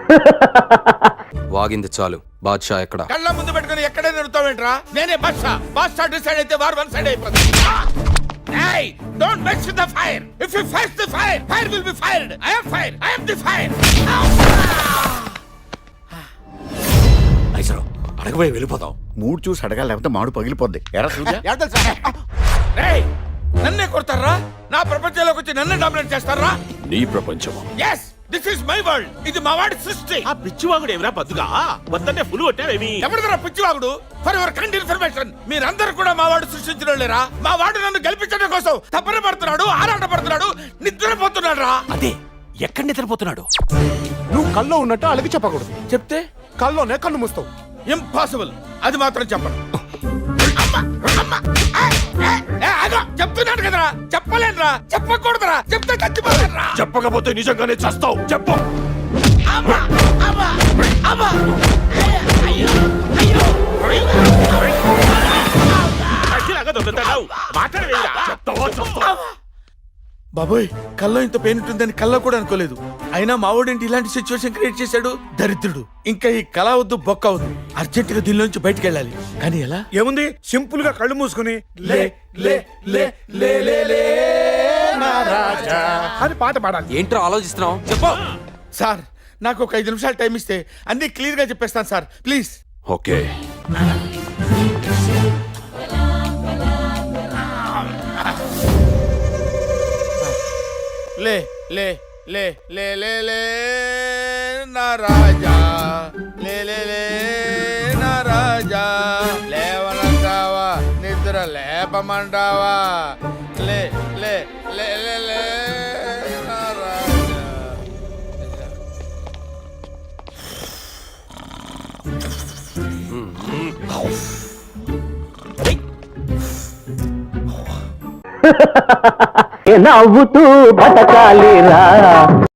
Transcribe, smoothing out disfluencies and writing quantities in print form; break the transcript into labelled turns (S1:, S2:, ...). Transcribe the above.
S1: వాగింది చాలు. బాద్షా ఎక్కడ?
S2: కళ్ళ ముందు పెట్టుకుని ఎక్కడే నిరుతావేంట్రా? నేనే బాద్షా. బాద్షా డిసైడ్ అయితే వార్ వన్ సైడ్ అయిపోతుంది. Hey, don't mess with the fire. If you face the fire, fire will be fired. I am fire. I am the fire.
S3: నైసరావు అడగబోయి వెళ్ళిపోతాం.
S4: మూడు చూసి అడగాలి, లేకపోతే మాడు పగిలిపోద్ది. ఎరా చూద్దా?
S2: Hey, నన్నే కొడతారా? నా ప్రపంచంలోకి వచ్చి నన్నే డామినేట్ చేస్తారా?
S3: నీ ప్రపంచమా?
S2: Yes, this is my world. ఇది మా వాడి సృష్టి.
S5: ఆ పిచ్చివాగుడు ఏమిరా పద్దుగా వద్దంటే ఫుల్ కొట్టావేమి?
S2: ఎవరిదరా పిచ్చివాగుడు? ఫర్ యువర్ కైండ్ ఇన్ఫర్మేషన్, మీరందరూ కూడా మా వాడు సృష్టించిన లేరా? మా వాడు నన్ను గెలిపించడం కోసం తపన పడుతున్నాడు, ఆరాట పడుతున్నాడు, నిద్రపోతున్నాడు రా.
S5: అదే ఎక్కడ నిద్రపోతున్నాడు?
S6: నువ్వు కల్లో ఉన్నట్టు అలాగే చెప్పకూడదు.
S2: చెప్తే
S6: కల్లోనే కన్ను మూస్తావు.
S2: ఇంపాసిబుల్. అది మాత్రం చెప్పను. చెప్తున్నాను కదరా, చెప్పలేనురా, చెప్పకూడదురా, చెప్తే చచ్చిపోతానురా.
S3: చెప్పకపోతే నిజంగానే చస్తావు. చెప్పు.
S5: అచ్చిలాగా దొంగతనావు. మాట్లాడవేరా?
S3: చెప్తావా? చస్తావా?
S2: బాబోయ్, కల్లో ఇంత పెయిన్ ఉంటుందని కల్లో కూడా అనుకోలేదు. అయినా మావోడేంటి ఇలాంటి సిచ్యువేషన్ క్రియేట్ చేశాడు? దరిద్రుడు. ఇంకా ఈ కళ వద్దు, బొక్క వద్దు. అర్జెంట్ గా దీనిలోంచి బయటికి వెళ్ళాలి. కానీ ఎలా?
S6: ఏముంది, సింపుల్ గా కళ్ళు మూసుకుని లే లే లే లే లే లే నా రాజా అని పాట పాడాలి.
S1: ఏంట్రా ఆలోచిస్తున్నావు? చెప్పు.
S2: సార్, నాకు ఒక 5 నిమిషాలు టైం ఇస్తే అన్ని క్లియర్ గా చెప్పేస్తాను సార్, ప్లీజ్.
S3: ఓకే.
S2: లే లే లే లే లే లే నా రాజా, లే లే లే నా రాజా, లేవనంటావా, నిద్ర లేపమంటావా? లే లే లే లే లే నా రాజా.
S7: నవ్వుతూ బతకాలిరా.